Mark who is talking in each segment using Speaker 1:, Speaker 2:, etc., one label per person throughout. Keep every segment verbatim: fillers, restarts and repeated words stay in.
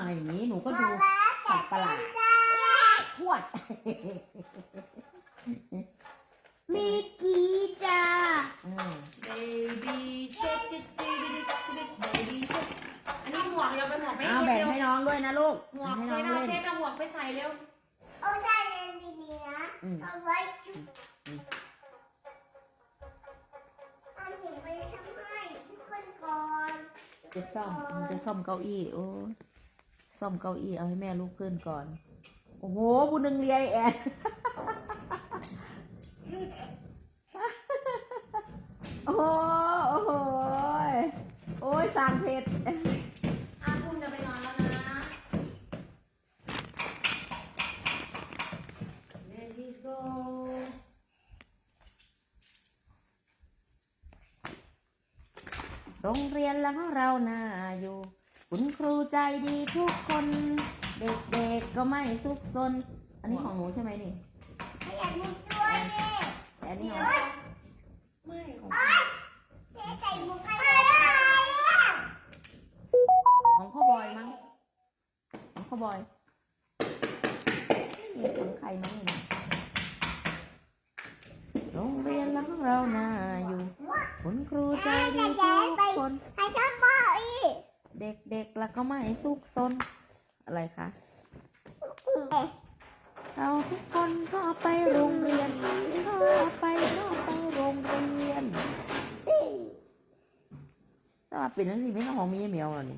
Speaker 1: มาอย่างนี้หนูก็ดูสัตว์ประหลาดทวด
Speaker 2: มีกี่จ้า
Speaker 3: baby shark จิ๊ดจิ๊ดจิ๊ด baby shark อันนี้หมวกเดี๋ยวไปหมวกไป
Speaker 1: เอาแบ่งให้น้องด้วยนะลูก
Speaker 3: หมวก
Speaker 1: ให้
Speaker 3: ไป
Speaker 1: น้อง
Speaker 3: เอา
Speaker 1: เล่น
Speaker 3: เทปเอาหมวกไปใส่เร็ว
Speaker 2: เอาใจเย็นดีๆนะเอาไว้จุดเอาหนูไปทำให้ทุกคนก่อน
Speaker 1: จะซ่อมมันจะซ่อมเก้าอี้โอ้ซ่อมเก้าอี้เอาให้แม่ลุกขึ้นก่อนโอ้โหผู้นึงเรียแอนโอ้โหโอ้ยสางเพชร
Speaker 3: อาคุณจะไปนอนแล้วนะ Let's go
Speaker 1: โรงเรียนแล้วเราน่าอยู่คุณครูใจดีทุกคนเด็กๆก็ไม่ซุกซนอันนี้ของหนูใช่ไหมนี่
Speaker 2: ให้อยากมุดด้วยดิ
Speaker 1: แต่อันนี้ของ
Speaker 3: ไม่ของ
Speaker 2: เจ๊ใจมุดอะไรอ่ะ
Speaker 1: ของพ่อบอยมั้งของพ่อบอยนี่ของใครมั้งนี่โรงเรียนแล้วเราน่าอยู่คุณครูใจดีทุกคน
Speaker 2: ให้ชอบพ่ออีก
Speaker 1: เด็กๆแล้วก็ไม่ซุกซนอะไรคะเราทุกคนก็ไปโรงเรียนก็ไปก็ไปโรงเรียนถ้ามาปิดหนังสือไม่ต้องของมีเหมียวหรอนี่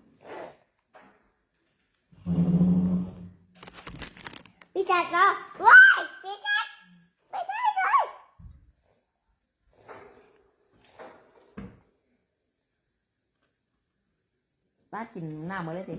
Speaker 2: พี่จัดเหรอว้ายพี่จัดไม่ได้เลย
Speaker 1: ป้ากินหน้ามาเลยสิ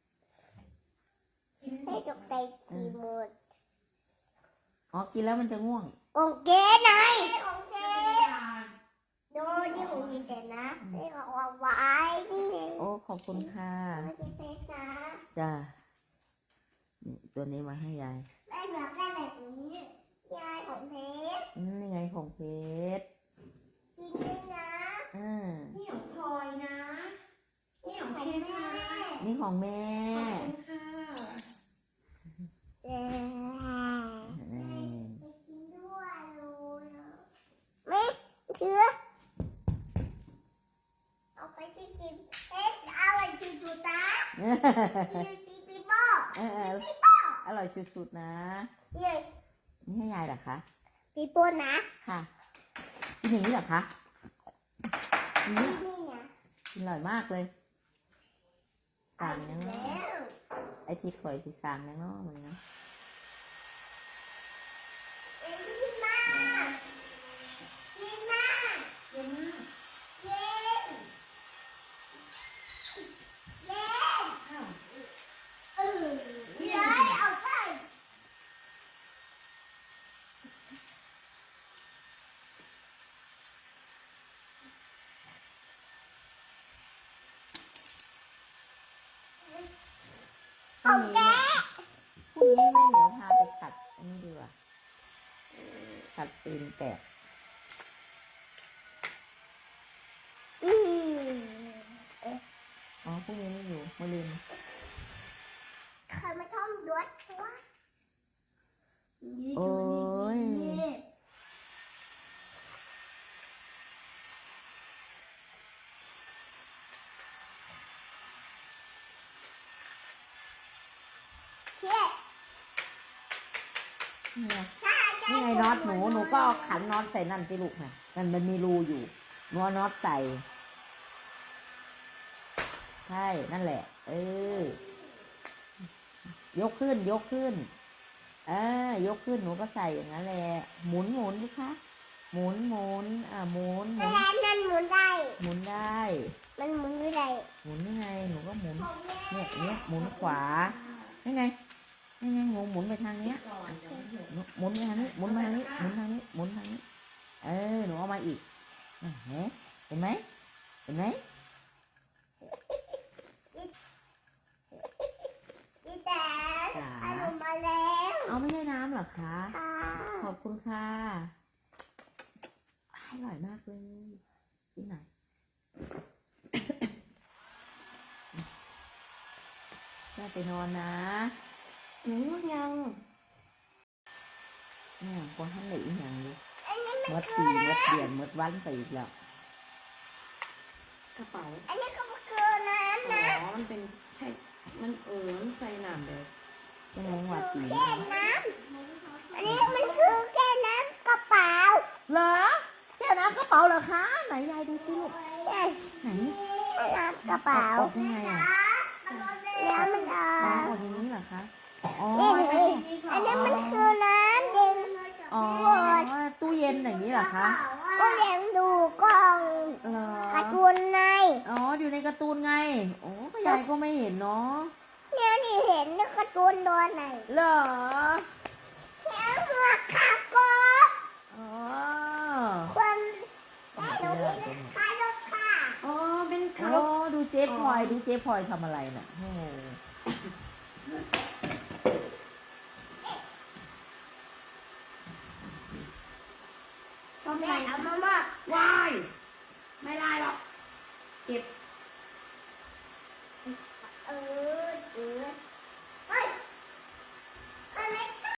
Speaker 2: ให้ตกใจขี่หมด
Speaker 1: อ๋อกินแล้วมันจะง่วง
Speaker 2: องเกไหนองเกโดนที่ผมกินแต่นะให้เขาเอาไว้นี่ไง
Speaker 1: โอ้ขอบคุณค่ะ
Speaker 2: ไม่ได้เพชรนะ
Speaker 1: จ้านี่ตัวนี้มาให้ยาย
Speaker 2: แม่อยากได้แบบนี้ยายของเพชร
Speaker 1: อืมนี่ไงของเพชร
Speaker 2: กินด้วยนะ
Speaker 1: อ่า
Speaker 3: นี่ของพลอยนะนี่ของเคสนะ
Speaker 1: นี่ของแม่
Speaker 3: ขอบคุณค่ะ
Speaker 2: เย้
Speaker 1: อืม
Speaker 2: ไปกินด้วยเลยไม่เชื่อเอาไปที่กินเอ๊ะเอาอะไรจุดๆนะกินจีปีโป้
Speaker 1: เออเออ
Speaker 2: ปีโป้
Speaker 1: อร่อยสุดๆนะ
Speaker 2: เย้
Speaker 1: นี่ให้ยายเหรอคะ
Speaker 2: ปีโป้นะ
Speaker 1: ค่ะกินอย่างนี้เหรอคะอืม
Speaker 2: นี่นะ
Speaker 1: กินอร่อยมากเลยสั่งยัง
Speaker 2: แล้
Speaker 1: เนาะ
Speaker 2: ว
Speaker 1: ไอที่คอยที่สั่งยังเนาะมันเนาะ
Speaker 2: เอ็นกินมากินมา
Speaker 3: เย็นมาก
Speaker 2: เย็นเย็น
Speaker 3: อ้าว
Speaker 2: เออเย้ยเอาไป
Speaker 1: พรุ่งนี้พรุ่งนี้แม่เหมียวพาไปตัดอันนี้ดีกว่าตัดตีนแกะ
Speaker 2: อืม
Speaker 1: อ๋อพรุ่งนี้ไม่อยู่มะรืน
Speaker 2: ใครมาท่องด้วยวะ
Speaker 1: โอ้ย
Speaker 2: เฮ้ย
Speaker 1: นี่ไง
Speaker 2: ถ้าจะ
Speaker 1: นี่ไงน็อตหนูหนูก็เอาขันน็อตใส่นั่นสิลูกค่ะมันมันมีรูอยู่หนูเอาน็อตใส่ใช่นั่นแหละ เออยกขึ้นยกขึ้นเออยกขึ้นหนูก็ใส่อย่างนั้นแหละหมุนหมุนดิคะหมุนหมุนอ่าหมุนหมุน
Speaker 2: แล้วมันหมุนได้
Speaker 1: หมุนได้
Speaker 2: มันหมุนไม่ได้
Speaker 1: หมุนยังไงหนูก็หมุนเนี่ยเนี้ยหมุนขวานี่ไงนี่ไงหมุนหมุนไปทางเนี้ยหมุนไปทางนี้หมุนมาทางนี้หมุนทางนี้หมุนทางนี้เออหนูเอามาอีกเห็นไหมเห็นไหมเห็นไหม
Speaker 2: พี่แต่เอาหนูมาแล้ว
Speaker 1: เอาไม่ใช่น้ำเหรอคะ
Speaker 2: ค่ะ
Speaker 1: ขอบคุณค่ะอร่อยมากเลยกินหน่อยย่าไปนอนนะ
Speaker 3: หนูง่วงยัง
Speaker 1: เนี่ยพอท่านไหนอีกอย่างเลย
Speaker 2: อันนี้มัน
Speaker 1: มด
Speaker 2: คื
Speaker 1: ปี
Speaker 2: อ
Speaker 1: ม
Speaker 2: นะ
Speaker 1: ดเดือนมดวันไปอีกแล้ว
Speaker 3: กระเป๋า
Speaker 2: อันนี้ก็คือน้ำ
Speaker 3: อ๋
Speaker 2: นะ
Speaker 3: อมันเป็นแค่มันเออมันใส่น้ำเลย
Speaker 1: ยังไงวัดปี
Speaker 2: แค่น้ำอันนี้มันคือแค่น้ำกระเป๋า
Speaker 1: เหรอแก้วน้ำกระเป๋าเหรอคะไหนยายดูสิลูก
Speaker 2: ใช่
Speaker 1: ไหน
Speaker 2: น้ำกระเป๋า
Speaker 1: ออกยังไงอ่ะ
Speaker 2: น้ำมันอ
Speaker 1: อ๋อ
Speaker 2: อก
Speaker 1: ออกอย่างนี้เหรอคะอ๋อ
Speaker 2: นี่อันนี้มันคือน้ำเย็น
Speaker 1: อ๋อตู้เย็นอย่างนี้เหรอคะ
Speaker 2: ก็เลี้ยงดูกล้อง
Speaker 1: เหรอ
Speaker 2: การ์ตูนใน
Speaker 1: อ๋ออยู่ในการ์ตูนไงโอ้ก็ยายก็ไม่เห็นเนาะ
Speaker 2: เนี่ยนี่เห็นในการ์ตูนตัวไหน
Speaker 1: เหรอ
Speaker 2: แล้วหัวขาโกะ
Speaker 1: อ๋อ
Speaker 2: คนได้ดูที่คารถค่ะ
Speaker 3: อ๋อเป็นคา
Speaker 1: โอ้
Speaker 3: ร์
Speaker 1: ดูเจ๊พลอยดูเจ๊พลอยทำอะไรน่ะโอ้
Speaker 3: ซ่อม
Speaker 2: แม่
Speaker 3: ไร
Speaker 2: เอามามอบ
Speaker 3: วายไม่ได้หรอกเก็บ